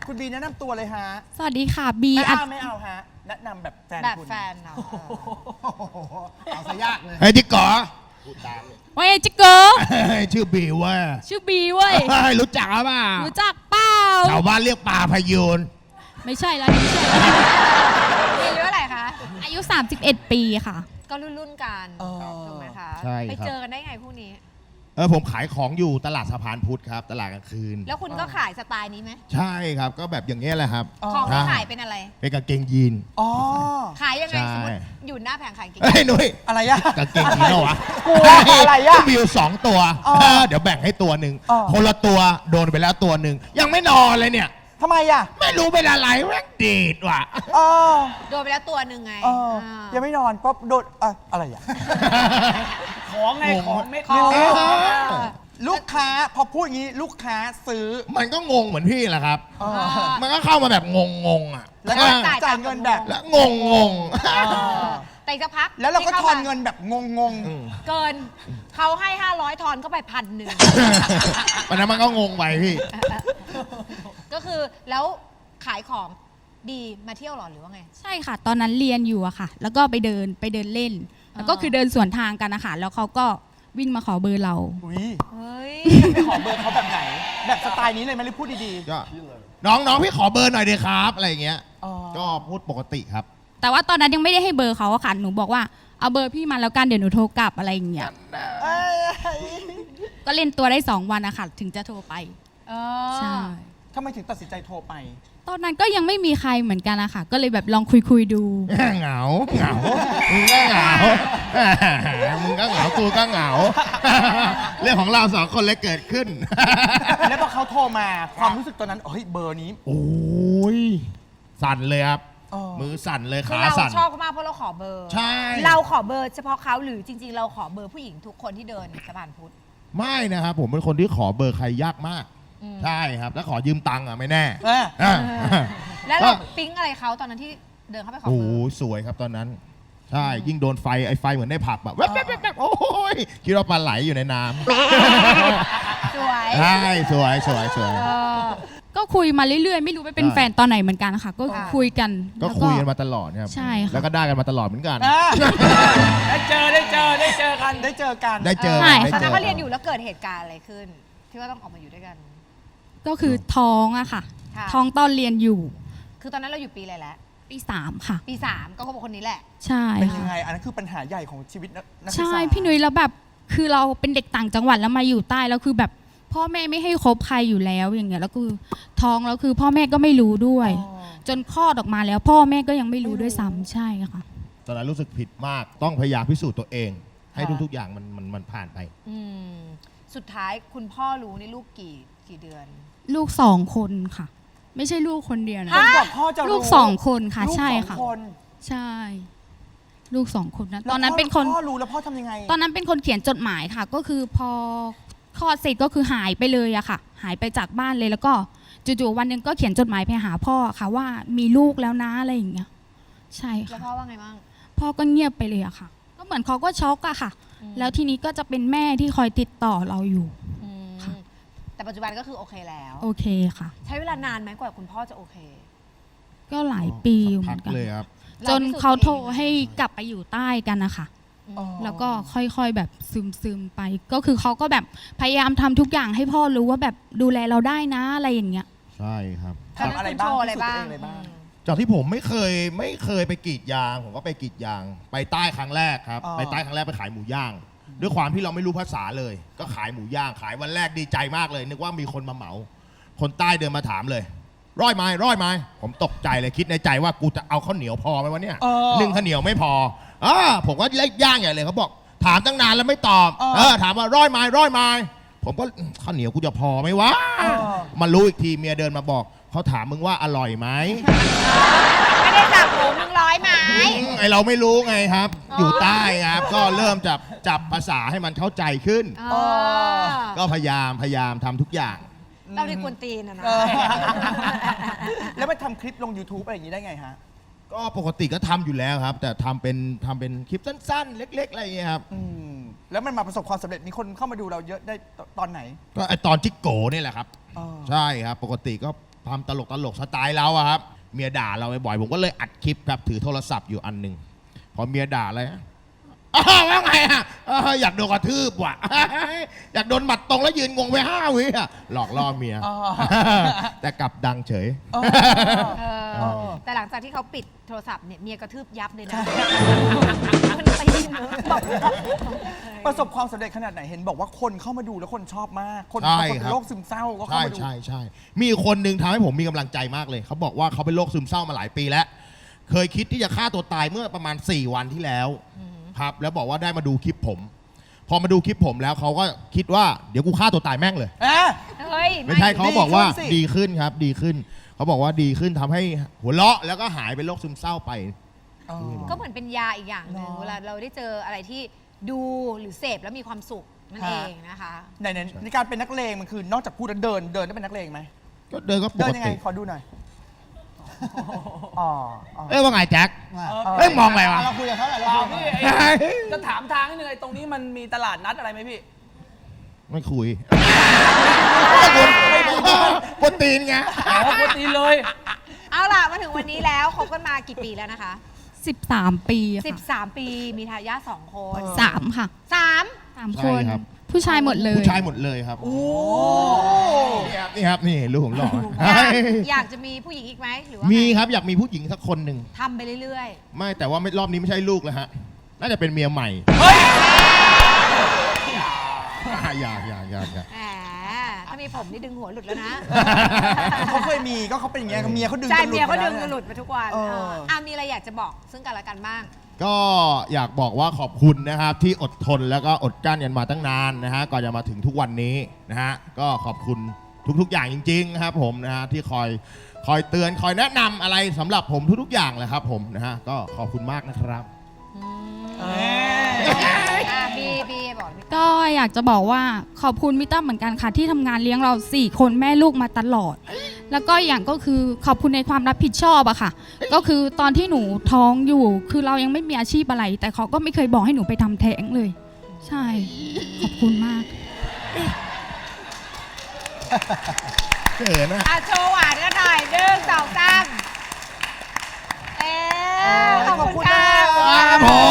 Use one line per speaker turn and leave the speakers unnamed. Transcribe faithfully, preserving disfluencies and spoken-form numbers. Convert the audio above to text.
คุณบีแนะนำตัวเลยฮะ
สวัสดีค่ะบี
ไม่
อัด
เอาไม่เอาฮะแนะนำแบบแฟน
แบบ
คุณ
แฟนเนาะ
เอาซะยากเลย
เฮ้ยจิ๊กก๋อพูดตามเลย
ว่าไงจิกเกอร์
เฮ้ยชื่อบิวเว่า
ชื่อบีเว้ย
รู้จักหรือเปล่า
รู้จักเปล่า
ชาวบ้านเรียกปลาพยูน
ไม่ใช่ละไม่ใช่ละ
มีอายุเท่าไหร่คะ
อายุ สามสิบเอ็ด ปีค่ะ
ก็รุ่นรุ่นๆกัน
เออ
ถูกไหมคะ
ใช่
ไป
ครับ
เจอกันได้ไงพวกนี้
เออผมขายของอยู่ตลาดสะพานพุทธครับ ตลาดกลางคืน
แล้วคุณก็ขายสไตล์นี้ไหม
ใช่ครับก็แบบอย่างเงี้ยแหละครับ
อ๋อ
ของที่
ใช่
ขายเป็นอะไร
เป็นกางเกงยีน
อ๋อ
ขายยังไง
ใช่
สมมติอยู่หน้าแผงขายเก่ง
เฮ้ยนุ้ย
อะไรอะ
กางเกงยีนเหรอวะ
กลัวอะไรอะ
ก็มีอยู่สองตัว
อ๋อ
เออเดี๋ยวแบ่งให้ตัวหนึ่ง
อ๋อ
คนละตัวโดนไปแล้วตัวหนึ่งยังไม่นอนเลยเนี่ย
ทำไมอะ
ไม่รู้เป็นอะไรแม่งดีดว่ะ
เออ
โดนไปแล้วตัวหนึ่งไง
เออ
อ่า
ยังไม่นอนก็โดนอะอะไรอะ
ของไงของเม็ด
ของ
เออ
ลูกค้าพอพูดอย่างนี้ลูกค้าซื้อ
มันก็งงเหมือนพี่แหละครับ
เออ
อ่า
มันก็เข้ามาแบบงงงๆอ่ะ
แล้วก็
อ่า
จ่าย
จ่ายเงินแบบ
แล้วงงงง
เออ
แต่อีกสักพัก
แล้วเราก็
ที่
ท
ข้
อน
ม
เงินแบบงง
อืม
เกินเขาให้ห้าร้อยทอนเข้าไปพันหนึ่ง
วันนั้นมันก็งงไปพี่
ก็คือแล้วขายของดีมาเที่ยวหรอหรือว่าไง
ใช่ค่ะ ตอนนั้นเรียนอยู่อะค่ะ แล้วก็ไปเดินไปเดินเล่น แล้วก็
อ่า
คือเดินสวนทางกันนะคะแล้วเขาก็วิ่งมาขอเบอร์เรา
ๆอุ้ย
เฮ้ย
ไปขอเบอร์เขาแบบไหน แบบสไตล์นี้เลยไหมหรือพูดดี
ก็น้องน้องพี่ขอเบอร์หน่อยดีครับ อะไรอย่างเงี้ย
ๆอ๋อ
ก็พูดปกติครับ
แต่ว่าตอนนั้นยังไม่ได้ให้เบอร์เขาอะค่ะหนูบอกว่าเอาเบอร์พี่มาแล้วกันเดี๋ยวหนูโทรกลับอะไรอย่างเงี้ย
เอ้ย
ก็เล่นตัวได้สองวันอะค่ะถึงจะโทรไป
เอ
ใช่
อ
ทำไมถึงตัดสินใจโทรไป
ตอนนั้นก็ยังไม่มีใครเหมือนกันอะค่ะก็เลยแบบลองคุยคุยๆดู
เหงาเหงามึงก็เหงามึงก็เหงากูก็เหงา เรื่องของเราสองคนเลยเกิดขึ้น
แล้วพอเขาโทรมาความรู้สึกตอนนั้นเฮ้ยเบอร์นี้
โอ้ยสั่นเลยครับ
อ๋อ
มือสั่นเลย
คือ
ขา
เรา
สั่น
ชอบเขามากเพราะเราขอเบอร์
ใช่
เราขอเบอร์เฉพาะเขาหรือจริง ๆ เราขอเบอร์ผู้หญิงทุกคนที่เดินสะพานพุทธ
ไม่นะครับผมเป็นคนที่ขอเบอร์ใครยากมาก
อืม
ใช่ครับ แล้วขอยืมตังค์อ่ะไม่แน่
เออ
อ่ะ
แล้วเราปิ๊งอะไรเขาตอนนั้นที่เดินเข้าไปขอ
โอ้
เบ
โห
อร์
สวยครับตอนนั้น ใช่ ยิ่งโดนไฟไอ้ไฟเหมือนได้ผับแบบแว๊บแว๊บแว๊บแว๊บโอ้ยคิดว่าปลาไหลอยู่ในน้
สวย
ำใช่สวยสวยสวย
เออ
ก็คุยมาเรื่อยๆ ไม่รู้ไปเป็น
ใช่
แฟนตอนไหนเหมือนกันค่ะ ก็
ค่ะ
คุยกัน
ก็
แล้ว
คุยกันมาตลอดครับ
ใช่ค่ะ
แล้วก็ได้กันมาตลอดเหมือนกัน
อ่ะ
ได้เจอได้เจอได้เจอกัน
ได้เจอกัน
ได้เจอ
ใช่
ได้
ตอน
เจ
นั้น
อ
เขาเรียนอยู่แล้วเกิดเหตุการณ์อะไรขึ้น ที่ว่าต้องออกมาอยู่ด้วยกัน
ก็คือท้องอะค่ะ
ค่ะ
ท้องตอนเรียนอยู่
คือตอนนั้นเราอยู่ปีอะไรแล้ว
ปีสามค่ะ
ปีสามก็เขาบอกคนนี้แหละ
ใช่
เป็น
ค่ะ
ยังไง อันนั้นคือปัญหาใหญ่ของชีวิตนักนักศึกษา
ใช่พี่นุ้ยแล้วแบบคือเราเป็นเด็กต่างจังหวัดแล้วมาอยู่ใต้แล้วคือแบบพ่อแม่ไม่ให้คบใครอยู่แล้วอย่างเงี้ยแล้วคือท้องแล้วคือพ่อแม่ก็ไม่รู้ด้วย
อ๋อ
จนคลอดออกมาแล้ว พ่อแม่ก็ยังไม่รู้ด้วยซ้ำใช่ค่ะ
ตอนนั้นรู้สึกผิดมาก ต้องพยายามพิสูจน์ตัวเอง ให้
ค่ะ
ทุกๆอย่างมันมันมันผ่านไป
อืมสุดท้ายคุณพ่อรู้นี่ลูกกี่กี่เดือน
ลูกสองคนค่ะ ไม่ใช่ลูกคนเดียวนะ
จนกว่าพ่อจะรู้
ลูกสองคนค่ะ
ลูก
ใช่
สอง
ค่ะ
คน
ใช่ ลูกสองคนนะ
แล้ว
ตอนนั้น
พ่
เป็นคน
พ่อรู้แล้วพ่อทำยังไง
ตอนนั้นเป็นคนเขียนจดหมายค่ะ ก็คือพอคลอดเสร็จก็คือหายไปเลยอะค่ะ หายไปจากบ้านเลยแล้วก็จู่ๆวันหนึ่งก็เขียนจดหมายไปหาพ่อค่ะ ว่ามีลูกแล้วนะอะไรอย่างเงี้ยใช่
แล้ว
ค่ะ
พ่อว่าไงบ้าง
พ่อก็เงียบไปเลยอะค่ะ ก็เหมือนเขาก็ช็อกอะค่ะ
อืม
แล้วทีนี้ก็จะเป็นแม่ที่คอยติดต่อเราอยู่
อืม
ค่ะ
แต่ปัจจุบันก็คือโอเคแล้ว
โอเคค่ะ
ใช้เวลานานไหมกว่าคุณพ่อจะโอเค
ก็หลายปีอยู่เห
พั
มื
ก
อนกัน
เลยครับ
จนเขาโทรให้กลับไปอยู่ใต้กันนะคะ
อ๋อ
แล้วก็ค่อยๆแบบซึมๆไป ก็คือเขาก็แบบพยายามทำทุกอย่างให้พ่อรู้ว่าแบบดูแลเราได้นะอะไรอย่างเงี้ย
ใช่ครับ
ทำอะไรบ้าง
คุณโชว์อะไร
พิสูจน์
บ้า
ตัว
ง
เองอะไรบ้าง
อืม
จากที่ผมไม่เคยไม่เคยไปกรีดยาง ผมก็ไปกรีดยาง ไปใต้ครั้งแรกครับ
อ๋อ
ไปใต้ครั้งแรกไปขายหมูย่าง ด้วยความที่เราไม่รู้ภาษาเลย ก็ขายหมูย่าง ขายวันแรกดีใจมากเลย นึกว่ามีคนมาเหมา คนใต้เดินมาถามเลย ร้อยไม้ร้อยไม้ผมตกใจเลยคิดในใจว่ากูจะเอาข้าวเหนียวพอไหมวะเนี่ย
เออ
หนึ่งข้าวเหนียวไม่พออ่าผมก็เล็กย่างใหญ่เลยเขาบอก ถามตั้งนานแล้วไม่ตอบ
เออ
เออถามว่าร้อยไม้ร้อยไม้ผมก็ข้าวเหนียวกูจะพอไหมวะ
เออ
มารู้อีกทีเมียเดินมาบอกเขาถามมึงว่าอร่อยไหม
ไม่ได้จับหมูมึงร้อยไหม
อืมไอเราไม่รู้ไงครับ
อ๋อ
อ
อยู่
ใต้ครับ ก็เริ่มจับจับภาษาให้มันเข้าใจขึ้น
อ๋อ
ก็พยายามพยายามทำทุกอย่าง
เราที่กวนตีนอะนะ
เออ แล้วไปทำคลิปลง YouTube อะไรอย่างนี้ได้ไงฮะ
ก็ปกติก็ทำอยู่แล้วครับ แต่ทำเป็นทำเป็นคลิปสั้นๆ เล็ก ๆ อะไรอย่างเงี้ยครับ
อืมแล้วมันมาประสบความสำเร็จ มีคนเข้ามาดูเราเยอะได้ตอนไหน
ก็ไอตอนจิกโกนี่แหละครับ
อ๋อ
ใช่ครับ ปกติก็ทำตลกตลกสไตล์เราอะครับเมียด่าเราบ่อยๆผมก็เลยอัดคลิปครับถือโทรศัพท์อยู่อันหนึ่งพอเมียด่าอะไรอ้าวว่าไงอะอ้าวอยากโดนกระทืบว่ะ อยากโดนหมัดตรงแล้วยืนงงไปห้าวิอะหลอกล่อเมีย
อ๋อ
แต่กลับดังเฉย
เออ
เออ
เออ
แต่หลังจากที่เขาปิดโทรศัพท์เนี่ยเมียกระทืบยับเลยนะมันตีเนอะบอก
ประสบความสำเร็จขนาดไหนเห็นบอกว่าคนเข้ามาดูแล้วคนชอบมาก คน
ใช่
คน
ครั
เป็น
บ
โรคซึมเศร้าก็เข้า
ใช่
มาดู
ใช่ใช่มีคนหนึ่งทำให้ผมมีกำลังใจมากเลย เขาบอกว่าเขาเป็นโรคซึมเศร้ามาหลายปีแล้ว เคยคิดที่จะฆ่าตัวตายเมื่อประมาณ สี่ วันที่แล้วครับแล้วบอกว่าได้มาดูคลิปผม พอมาดูคลิปผมแล้วเขาก็คิดว่าเดี๋ยวกูฆ่าตัวตายแม่งเลย
เอ๊ะ
เฮ้ย
ไม่ใช่เขาบอกว่า
ดีขึ้นสิ
ดีขึ้นครับ ดีขึ้น เขาบอกว่าดีขึ้นทำให้หัวเราะแล้วก็หายเป็นโรคซึมเศร้าไป
อ๋อ
ก็เหมือนเป็นยาอีกอย่างหนึ่ง
เนอะ
เวลาเราได้เจออะไรที่ดูหรือเสพแล้วมีความสุขนั่น
ฮะ
เองนะคะ
ในในในการเป็นนักเลงมันคือนอกจากพูดแล้วเดินเดินได้เป็นนักเลงไหม
ก็เดินก็ป
เดิ
ก
นยังไง
ติ
ขอดูหน่อยอ๋ออ๋อ
เอ้ยว่าไงแจ็ค
เอ
เอ้ยมองอะไรวะ
เราคุยกับเขาหน่อย
เป
เรา
ล่า
คุยกับ
พี่
เขา
ไอ้จะถามทางนิดนึงไอ้ตรงนี้มันมีตลาดนัดอะไรไหมพี่
ไม่คุยกวนตีนไง
อ๋อปกติเลย
เอาล่ะมาถึงวันนี้แล้วคบกันมากี่ปีแล้วนะคะ
สิบสามปีค่ะ
13 ปีมีทายาทสองคน
สามค่ะ
สาม
สาม
ใช่
คน
ครับ
ผู้ชายหมดเลย
ผู้ชายหมดเลยครับ
โอ้
นี่ครับนี่ครับนี่ลูกผมหล่อ
อยากอยากจะมีผู้หญิงอีกไหมหรือว่า
มี
ไง
ครับอยากมีผู้หญิงสักคนหนึ่ง
ทำไปเรื่อย
ไม่แต่ว่าไม่รอบนี้ไม่ใช่ลูกแล้วฮะน่าจะเป็นเมียใหม่
เฮ้ย
อยากอยากอยากอยาก
ๆแหมถ้ามีผมนี่ดึงหัวหลุดแล้วนะ
เขาเคยมีก็เขาเป็นอย่างเงี้ยเมียเขาดึง
ใช่
จน
เมียเขาดึง
ไป
กัน
แว
หลุดมาทุกวัน
เออ
เอออ่ะมีอะไรอยากจะบอกซึ่งกันและกันบ้าง
ก็อยากบอกว่าขอบคุณนะครับที่อดทนแล้วก็อดกลั้นกันมาตั้งนานนะฮะก่อนจะมาถึงทุกวันนี้นะฮะก็ขอบคุณทุกๆอย่างจริงๆนะครับผมนะฮะที่คอยคอยเตือนคอยแนะนำอะไรสำหรับผมทุกๆอย่างเลยครับผมนะฮะก็ขอบคุณมากนะครับ
อ่ะบีบีบอกพี่
ก็อยากจะบอกว่าขอบคุณพี่ตั้มเหมือนกันค่ะที่ทำงานเลี้ยงเราสี่คนแม่ลูกมาตลอด แล้วก็อย่างก็คือขอบคุณในความรับผิดชอบอะค่ะ ก็คือตอนที่หนูท้องอยู่ คือเรายังไม่มีอาชีพอะไร แต่เขาก็ไม่เคยบอกให้หนูไปทำแท้งเลย ใช่ ขอบคุณมาก
เขินนะ
อ่ะโชว์หวานกันหน่อยหนึ่งสองสามเอ๊ะขอบคุณค่ะ
ขอบคุณมาก
ครับผม